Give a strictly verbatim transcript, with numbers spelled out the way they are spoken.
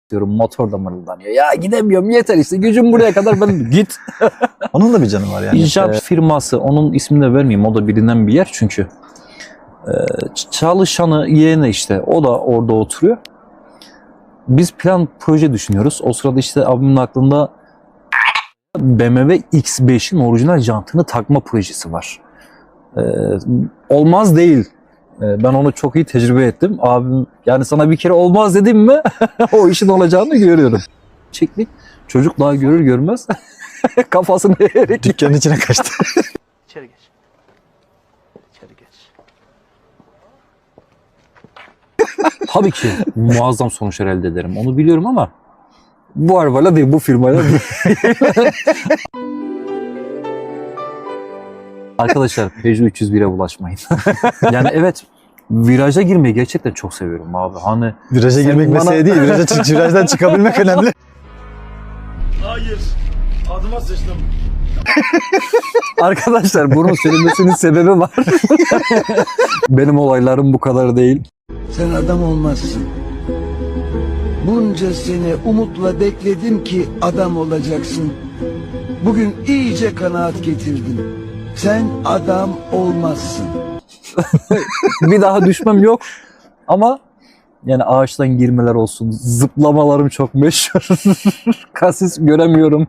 diyorum, motor da mırıldanıyor. Ya gidemiyorum, yeter işte, gücüm buraya kadar, ben git. Onun da bir canı var yani. İnşaat Ee, firması, onun ismini de vermeyeyim, o da bilinen bir yer çünkü. Ee, çalışanı, yeğeni işte, o da orada oturuyor. Biz plan proje düşünüyoruz. O sırada işte abimin aklında B M W X beşin orijinal jantını takma projesi var. Ee, olmaz değil. Ee, ben onu çok iyi tecrübe ettim. Abim, yani sana bir kere olmaz dedim mi o işin olacağını görüyorum. Çektik. Çocuk daha görür görmez kafasını eğerek Dükkanın içine kaçtı. İçeri geç. İçeri geç. tabii ki muazzam sonuçlar elde ederim. Onu biliyorum ama bu arabayla değil, bu firmayla değil. Arkadaşlar Peugeot üç yüz bire bulaşmayın. Yani evet, viraja girmeyi gerçekten çok seviyorum abi. Hani Viraja Sen girmek bana- mesele değil. Viraja çık, virajdan çıkabilmek önemli. Hayır. Adıma sıçtım. arkadaşlar bunun söylemesinin sebebi var. Benim olaylarım bu kadar değil. Sen adam olmazsın. Bunca sene umutla bekledim ki adam olacaksın. Bugün iyice kanaat getirdim. Sen adam olmazsın. Bir daha düşmem yok. Ama yani ağaçtan girmeler olsun, zıplamalarım çok meşhur. Kasis göremiyorum.